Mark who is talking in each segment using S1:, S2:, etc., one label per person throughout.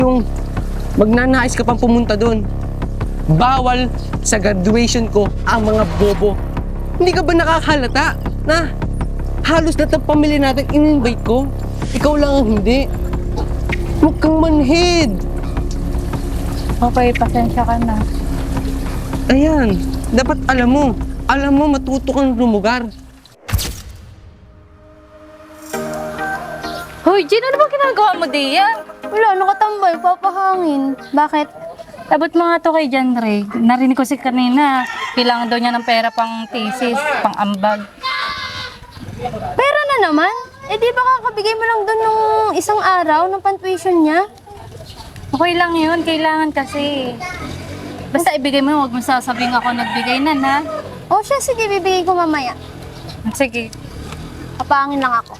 S1: Yung magnanais ka pang pumunta doon. Bawal sa graduation ko ang mga bobo. Hindi ka ba nakakalata na halos lahat ng pamilya natin in-invite ko? Ikaw lang ang hindi. Huwag kang manhid.
S2: Okay, pasensya ka na.
S1: Ayan, dapat alam mo matuto kang lumugar.
S2: Hoy, Jen, ano ba ginagawa mo diyan?
S3: Wala, nakatambay, papahangin. Bakit?
S2: Abot mo nga to kay John Ray. Narinig ko si kanina, kailangan daw niya ng pera pang thesis, pang ambag.
S3: Pera na naman? Eh di ba kakabigay mo lang doon nung isang araw ng pantuition niya?
S2: Okay lang yun, kailangan kasi. Basta ibigay mo, huwag mo sasabing ako nagbigay na, ha?
S3: O siya, sige, bibigay ko mamaya.
S2: Sige.
S3: Papahangin lang ako.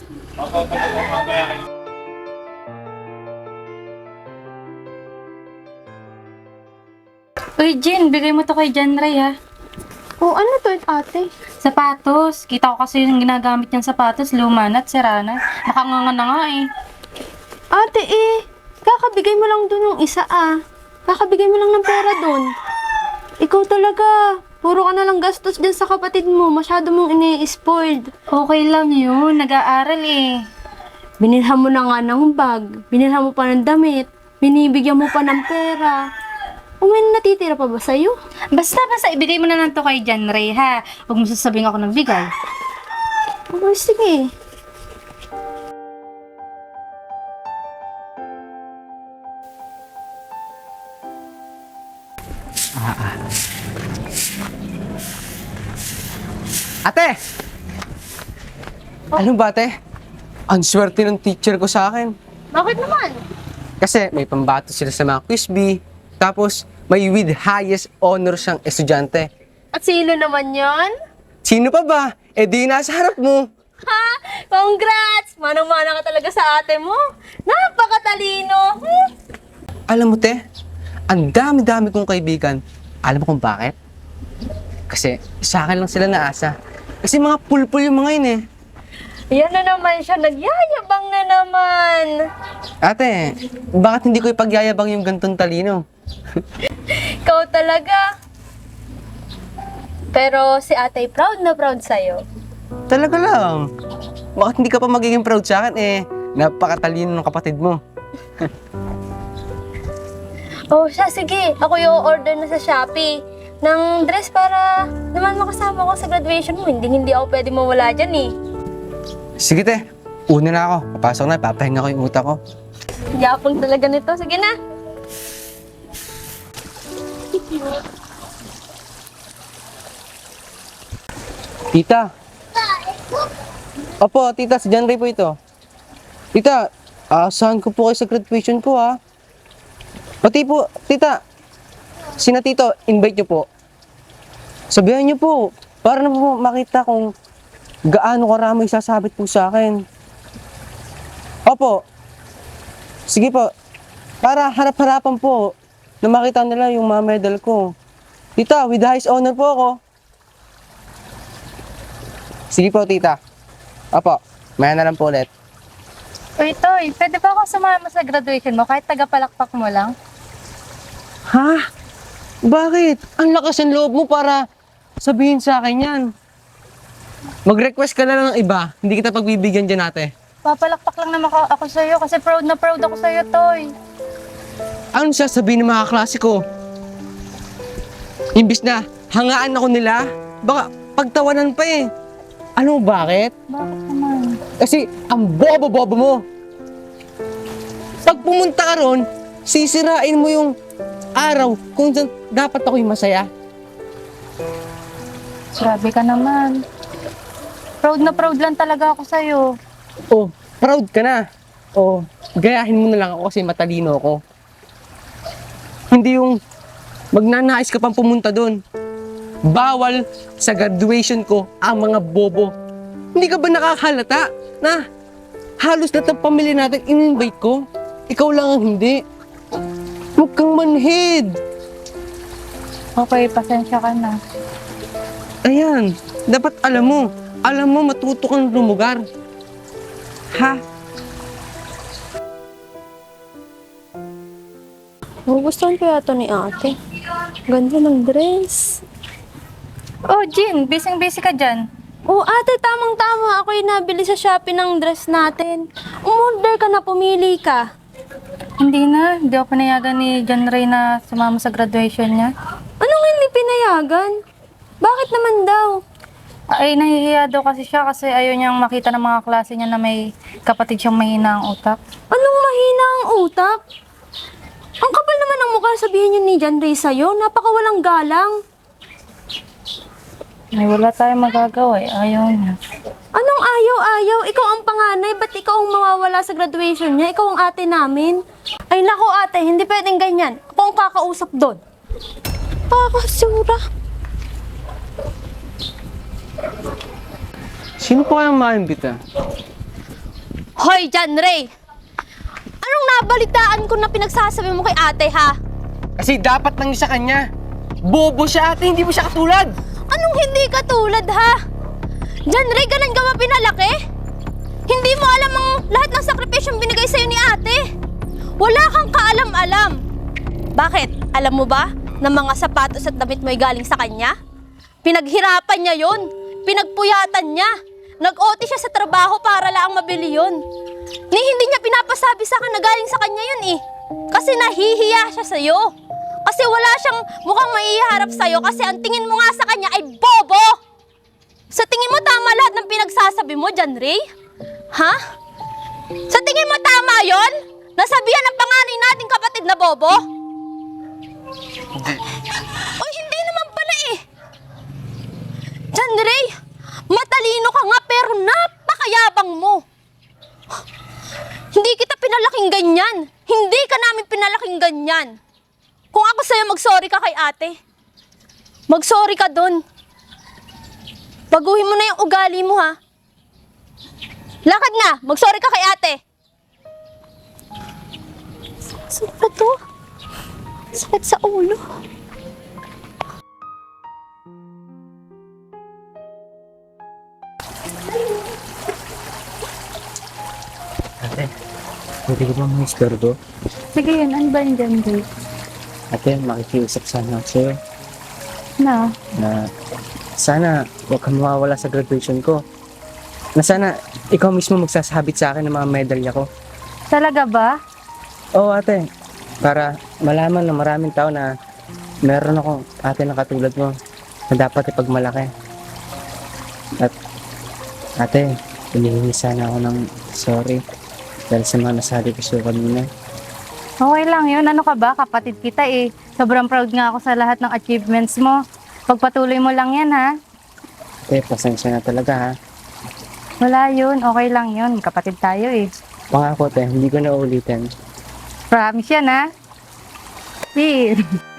S2: Uy, Jen, bigay mo to kay John Ray, ha?
S3: O ano to, ate?
S2: Sapatos. Kita ko kasi yung ginagamit niyang sapatos, luma na at sira na. Nakanganga na nga eh.
S3: Ate kakabigay mo lang doon yung isa Kakabigay mo lang ng pera doon. Ikaw talaga. Puro ka na lang gastos dyan sa kapatid mo. Masyado mong ini-spoiled.
S2: Okay lang yun, nag-aaral eh.
S3: Binilhan mo na nga ng bag. Binilhan mo pa ng damit. Binibigyan mo pa ng pera. O may natitira pa ba sa'yo?
S2: Basta, ibigay mo na lang to kay John Ray, ha? Huwag mo sasabing ako nagbigay.
S3: O sige.
S1: Ate! Alam ba, ate? Ang swerte ng teacher ko sa akin.
S3: Bakit naman?
S1: Kasi may pambato sila sa mga quiz bee. Tapos may with highest honor siyang estudyante.
S3: At sino naman yon?
S1: Sino pa ba? Eh di nasa harap mo.
S3: Ha? Congrats! Manang-mana ka talaga sa ate mo. Napakatalino.
S1: Alam mo, te, ang dami-dami kong kaibigan. Alam mo kung bakit? Kasi sa akin lang sila naasa. Kasi mga pulpul yung mga yun eh.
S3: Yan na naman siya. Nagyayabang na naman.
S1: Ate, bakit hindi ko ipagyayabang yung gantong talino?
S3: Ikaw talaga. Pero si ate proud na proud sa'yo.
S1: Talaga lang. Bakit hindi ka pa magiging proud sa akin eh? Napakatalino ng kapatid mo.
S3: Oh, siya, sige. Ako yung order na sa Shopee ng dress para naman makasama ko sa graduation mo. Hindi ako pwede mawala dyan eh.
S1: Sige te, una na ako. Papasok na, papahinga ko yung utak ko.
S3: Yapang talaga nito. Sige na.
S1: Tita. Opo, tita, si John Ray po ito. Tita, saan ko po kayo sa graduation ko ha? Pati po, tita, sina tito, invite nyo po. Sabihan nyo po, para na po makita kung gaano karami sasabit po sa akin. Opo, sige po, para harap-harapan po na makita nila yung mga medal ko. Tita, with the highest honor po ako. Sige po, tita. Opo, maya na lang po ulit.
S2: Uy, Toy, pwede ba ako sumama sa graduation mo kahit taga-palakpak mo lang?
S1: Ha? Bakit? Ang lakas ng loob mo para sabihin sa akin yan. Mag-request ka na lang ng iba. Hindi kita pagbibigyan dyan, ate.
S2: Papalakpak lang naman ako sa'yo kasi proud na proud ako sa'yo, Toy.
S1: Ano siya sabihin ng mga klase ko? Imbis na hangaan ako nila, baka pagtawanan pa eh. Ano bakit?
S2: Bakit naman?
S1: Kasi ang bobo-bobo mo. Pag pumunta ka ron, sisirain mo yung araw kung saan dapat ako'y masaya.
S2: Grabe ka naman. Proud na proud lang talaga ako sa'yo.
S1: Oh, proud ka na. Oh, gayahin mo na lang ako kasi matalino ako. Hindi yung magnanais ka pang pumunta doon. Bawal sa graduation ko ang mga bobo. Hindi ka ba nakakalata na halos lahat ng pamilya natin in-invite ko? Ikaw lang ang hindi. Huwag kang manhid.
S2: Okay, pasensya ka na.
S1: Ayan, dapat alam mo matuto kang lumugar. Ha?
S3: Gugustuhan ko yata ni ate. Ganda ng dress.
S2: Oh, Jean, busy-busy ka dyan.
S3: Oh, ate, tamang-tama. Ako yung nabili sa Shopee ng dress natin. Umorder ka na, pumili ka.
S2: Hindi na, hindi ako pinayagan ni John Ray na sumama sa graduation niya.
S3: Anong hindi pinayagan? Bakit naman daw?
S2: Ay, nahihiya daw kasi siya kasi ayaw niyang makita ng mga klase niya na may kapatid siyang mahina ang utak.
S3: Anong mahina ang utak? Ang kapal naman ng mukha sabihin yun ni John Ray sa'yo. Napakawalang galang.
S2: Ay, wala tayong magagawa eh. Ayaw niya.
S3: Anong ayaw-ayaw? Ikaw ang panganay, ba't ikaw ang mawawala sa graduation niya? Ikaw ang ate namin. Ay nako ate, hindi pwedeng ganyan. Ako ang kakausap doon. Pakasura.
S1: Sino po kayang maimbita?
S3: Hoy, John Ray! Anong nabalitaan ko na pinagsasabi mo kay ate, ha?
S1: Kasi dapat lang sa kanya. Bobo siya ate, hindi mo siya katulad.
S3: Anong hindi katulad, ha? John Ray, ganun ka ba pinalaki? Hindi mo alam ang lahat ng sakripisyong binigay sa'yo ni ate. Wala kang kaalam-alam. Bakit? Alam mo ba na mga sapatos at damit mo'y galing sa kanya? Pinaghirapan niya yun. Pinagpuyatan niya. Nag-OT siya sa trabaho para lang mabili yun. Ni hindi niya pinapasabi sa akin na galing sa kanya yun eh. Kasi nahihiya siya sa'yo. Kasi wala siyang mukhang maiharap sa'yo kasi ang tingin mo nga sa kanya ay bobo! Sa tingin mo tama lahat ng pinagsasabi mo, John Ray? Ha? Sa tingin mo tama yon? Nasabihan ng panganay nating kapatid na bobo?
S1: Hindi.
S3: O hindi naman pala eh. John Ray, matalino ka nga pero napakayabang mo. Hindi kita pinalaking ganyan. Hindi ka namin pinalaking ganyan. Kung ako sa'yo, mag-sorry ka kay ate. Mag-sorry ka dun. Baguhin mo na yung ugali mo, ha? Lakad na! Mag-sorry ka kay ate. Saan ba to? Sakit sa ulo.
S1: Ate, pwede ko ba mag-istorbo?
S2: Sige yun, ano ba yung John Ray?
S1: Ate, makikiusap sana ako sa'yo
S2: Na?
S1: na sana huwag kang mawawala sa graduation ko. Na sana ikaw mismo magsasabit sa akin ng mga medalya ko.
S2: Talaga ba?
S1: Oo ate, para malaman ng maraming tao na meron akong ate na katulad mo na dapat ipagmalaki. At ate, hinihingi sana ako ng sorry dahil sa mga nasabi ko sa'yo kanina.
S2: Okay lang yun. Ano ka ba? Kapatid kita eh. Sobrang proud nga ako sa lahat ng achievements mo. Pagpatuloy mo lang yan ha.
S1: Ate, pasensya na talaga ha.
S2: Wala yun. Okay lang yun. Kapatid tayo eh.
S1: Pangako ate, hindi ko na uulitin.
S2: Promise yan ha. Deal.